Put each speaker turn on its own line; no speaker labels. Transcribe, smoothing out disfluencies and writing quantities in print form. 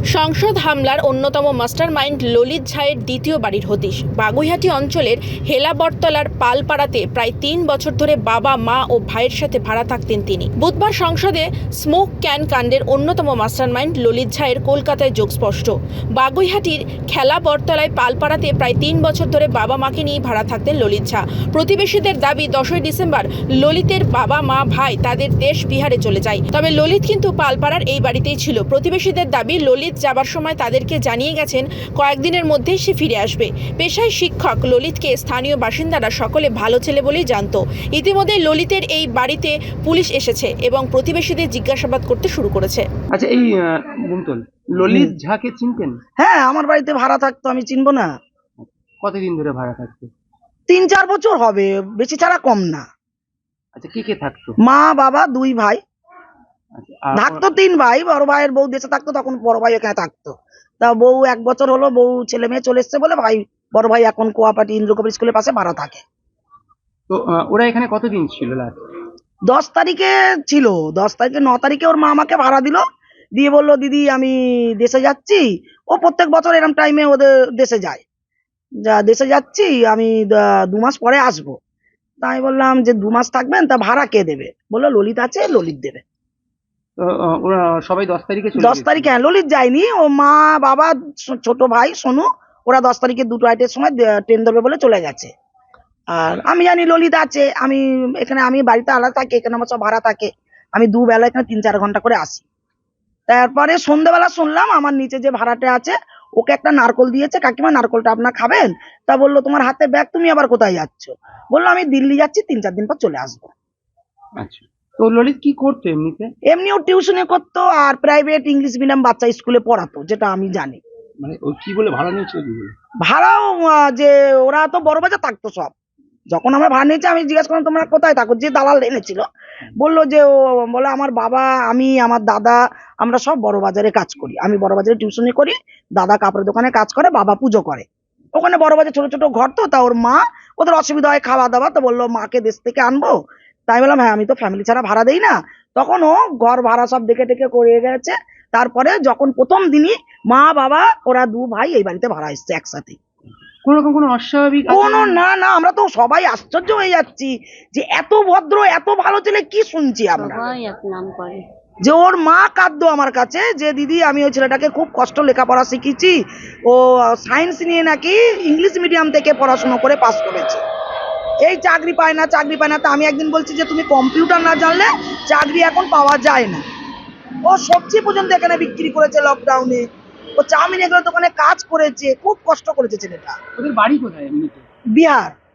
সংসদ হামলার অন্যতম মাস্টারমাইন্ড ললিত ঝায়ের দ্বিতীয় বাড়ির হদিশ। বাগুইহাটি অঞ্চলের হেলাবরতলার পালপাড়াতে প্রায় ৩ বছর ধরে বাবা, মা ও ভাইয়ের সাথে ভাড়া থাকতেন তিনি। বুধবার সংসদে স্মোক ক্যান কাণ্ডের অন্যতম মাস্টারমাইন্ড ললিত ঝায়ের কলকাতায় যোগ স্পষ্ট। বাগুইহাটির খেলাবরতলায় পালপাড়াতে প্রায় ৩ বছর ধরে বাবা মাকে নিয়ে ভাড়া থাকতেন ললিত ঝা। প্রতিবেশীদের দাবি ১০ই ডিসেম্বর ললিতের বাবা, মা, ভাই তাদের দেশ বিহারে চলে যায়। তবে ললিত কিন্তু পালপাড়ার এই বাড়িতেই ছিল। প্রতিবেশীদের দাবি ললিত যাবার সময় তাদেরকে জানিয়ে গেছেন কয়েকদিনের মধ্যেই সে ফিরে আসবে। পেশায় শিক্ষক ললিতকে স্থানীয় বাসিন্দারা সকলে ভালো ছেলে বলেই জানত। ইতিমধ্যে ললিতের এই বাড়িতে পুলিশ এসেছে এবং প্রতিবেশীদের জিজ্ঞাসাবাদ করতে শুরু করেছে।
আচ্ছা, এই বুমতল ললিত ঝাকে চিনতেন?
হ্যাঁ, আমার বাড়িতে ভাড়া থাকতো, আমি চিনবো না?
কতদিন ধরে ভাড়া থাকতো?
৩-৪ বছর হবে, বেশি ছাড়া কম না।
আচ্ছা, কে কে থাকতো?
মা, বাবা, 2 ভাই
আচ্ছা,
থাকতো। 3 ভাই, বড় ভাইয়ের বউ দেশে থাকতো, তখন বড় ভাই এখানে থাকতো। তা বউ 1 বছর হলো, বউ ছেলে মেয়ে চলে এসছে বলে ভাই, বড় ভাই এখন কোয়াপাটি ইন্দ্রকবি স্কুলের পাশে ভাড়া থাকে।
তো ওরা এখানে কতদিন ছিল?
10 তারিখে ছিল, 10 তারিখে 9 তারিখে ওর মা আমাকে ভাড়া দিল, দিয়ে বললো দিদি আমি দেশে যাচ্ছি। ও প্রত্যেক বছর এরকম টাইমে ওদের দেশে যায়, দেশে যাচ্ছি আমি, 2 মাস পরে আসবো। তাই বললাম যে 2 মাস থাকবেন, তা ভাড়া কে দেবে? বললো ললিত আছে, ললিত দেবে।
তো ওরা সবাই 10 তারিখে চলে
10 তারিখে? হ্যাঁ, ললিত যায়নি, ও মা, বাবা, ছোট ভাই সোনু, ওরা 10 তারিখে 2টো সময় ট্রেন ধরবে বলে চলে গেছে। আর আমি জানি ললিত আছে, আমি এখানে, আমি বাড়িতে আলাদা থাকি, এখানে আমার সব ভাড়া থাকে। আমি দুবেলা এখানে 3-4 ঘন্টা করে আসি। তারপরে সন্ধ্যাবেলা শুনলাম আমার নিচে যে ভাড়াটে আছে ওকে একটা নারকল দিয়েছে, কাকিমা নারকলটা আপনার খাবেন? তা বললো তোমার হাতে ব্যাগ, তুমি আবার কোথায় যাচ্ছ? বললো আমি দিল্লি যাচ্ছি, 3-4 দিন পর চলে আসবো।
আচ্ছা, তো ললিত কি করতো এমনিতে?
এমনিও টিউশনে করতো আর প্রাইভেট ইংলিশ মিডিয়াম বাচ্চা স্কুলে পড়াতো, যেটা আমি জানি।
মানে ও কি বলে ভাড়া নিয়েছিল?
ভাড়াও যে ওরা তো বড় বাজার থাকতো সব। যখন আমরা ভাড়া নিয়েছি আমি জিজ্ঞাসা করলাম তোমরা কোথায় থাকো, যে দালাল এনেছিল বললো যে ও বলে আমার বাবা, আমি, আমার দাদা, আমরা সব বড় বাজারে কাজ করি। আমি বড় বাজারে টিউশনি করি, দাদা কাপড়ের দোকানে কাজ করে, বাবা পুজো করে। ওখানে বড় বাজার ছোট ছোট ঘর, তো তা ওর মা, ওদের অসুবিধা হয় খাওয়া দাওয়া, তো বললো মাকে দেশ থেকে আনবো। তাই বললাম হ্যাঁ, আমি তো ফ্যামিলি ছাড়া ভাড়া দেই না। তখন ও ঘর ভাড়া সব দেখে টেকে করে গেছে। তারপরে যখন প্রথম দিনই মা, বাবা, ওরা 2 ভাই এই বাড়িতে ভাড়া এসছে একসাথে।
কোন রকম কোনো অস্বাভাবিক
কোনো না, আমরা তো সবাই আশ্চর্য হয়ে যাচ্ছি যে এত ভদ্র, এত ভালো ছেলে, কি শুনছি আমরা। যে ওর মা কাঁদতো আমার কাছে যে দিদি আমি ওই ছেলেটাকে খুব কষ্ট লেখাপড়া শিখিয়েছি, ও সায়েন্স নিয়ে নাকি ইংলিশ মিডিয়াম থেকে পড়াশোনা করে পাস করেছে, এই চাকরি পায় না, চাকরি পায় না। তা আমি একদিন বলছি যে তুমি কম্পিউটার না জানলে চাকরি এখন পাওয়া যায় না। ও সবজি পর্যন্ত এখানে বিক্রি করেছে লকডাউনে, ও চাউমিন এগুলো দোকানে কাজ করেছে, খুব কষ্ট করেছে ছেলেটা।
ওদের বাড়ি কোথায় এমনিতে?
বিহার।